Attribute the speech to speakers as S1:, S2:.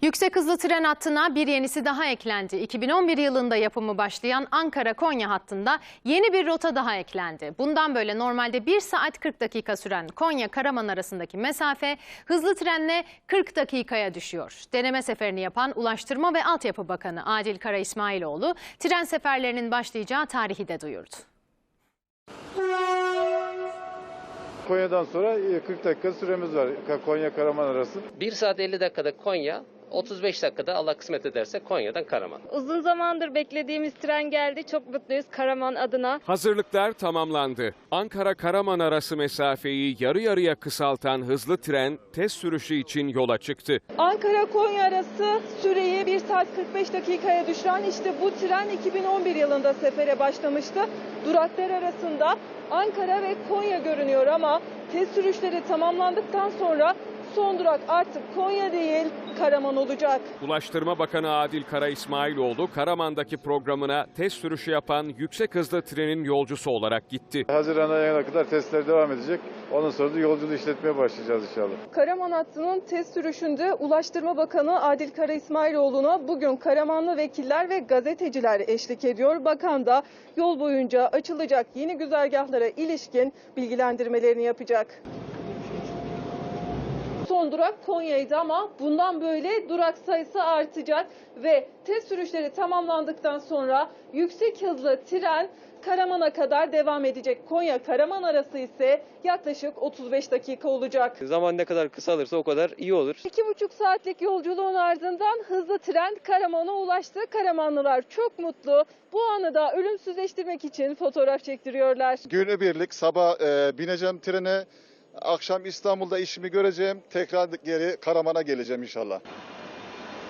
S1: Yüksek hızlı tren hattına bir yenisi daha eklendi. 2011 yılında yapımı başlayan Ankara-Konya hattında yeni bir rota daha eklendi. Bundan böyle normalde 1 saat 40 dakika süren Konya-Karaman arasındaki mesafe hızlı trenle 40 dakikaya düşüyor. Deneme seferini yapan Ulaştırma ve Altyapı Bakanı Adil Kara İsmailoğlu tren seferlerinin başlayacağı tarihi de duyurdu.
S2: Konya'dan sonra 40 dakika süremiz var Konya-Karaman arası.
S3: 1 saat 50 dakikada Konya, 35 dakikada Allah kısmet ederse Konya'dan Karaman.
S4: Uzun zamandır beklediğimiz tren geldi. Çok mutluyuz Karaman adına.
S5: Hazırlıklar tamamlandı. Ankara-Karaman arası mesafeyi yarı yarıya kısaltan hızlı tren test sürüşü için yola çıktı.
S6: Ankara-Konya arası süreyi 1 saat 45 dakikaya düşüren işte bu tren 2011 yılında sefere başlamıştı. Duraklar arasında Ankara ve Konya görünüyor ama test sürüşleri tamamlandıktan sonra son durak artık Konya değil Karaman olacak.
S5: Ulaştırma Bakanı Adil Kara İsmailoğlu Karaman'daki programına test sürüşü yapan yüksek hızlı trenin yolcusu olarak gitti.
S2: Haziran ayına kadar testler devam edecek. Ondan sonra da yolculuğu işletmeye başlayacağız inşallah.
S6: Karaman hattının test sürüşünde Ulaştırma Bakanı Adil Kara İsmailoğlu'na bugün Karamanlı vekiller ve gazeteciler eşlik ediyor. Bakan da yol boyunca açılacak yeni güzergahlara ilişkin bilgilendirmelerini yapacak. Son durak Konya'ydı ama bundan böyle durak sayısı artacak ve test sürüşleri tamamlandıktan sonra yüksek hızlı tren Karaman'a kadar devam edecek. Konya-Karaman arası ise yaklaşık 35 dakika olacak.
S3: Zaman ne kadar kısalırsa o kadar iyi olur.
S6: 2,5 saatlik yolculuğun ardından hızlı tren Karaman'a ulaştı. Karamanlılar çok mutlu. Bu anı da ölümsüzleştirmek için fotoğraf çektiriyorlar.
S7: Günübirlik sabah bineceğim trene, akşam İstanbul'da işimi göreceğim, tekrar geri Karaman'a geleceğim inşallah.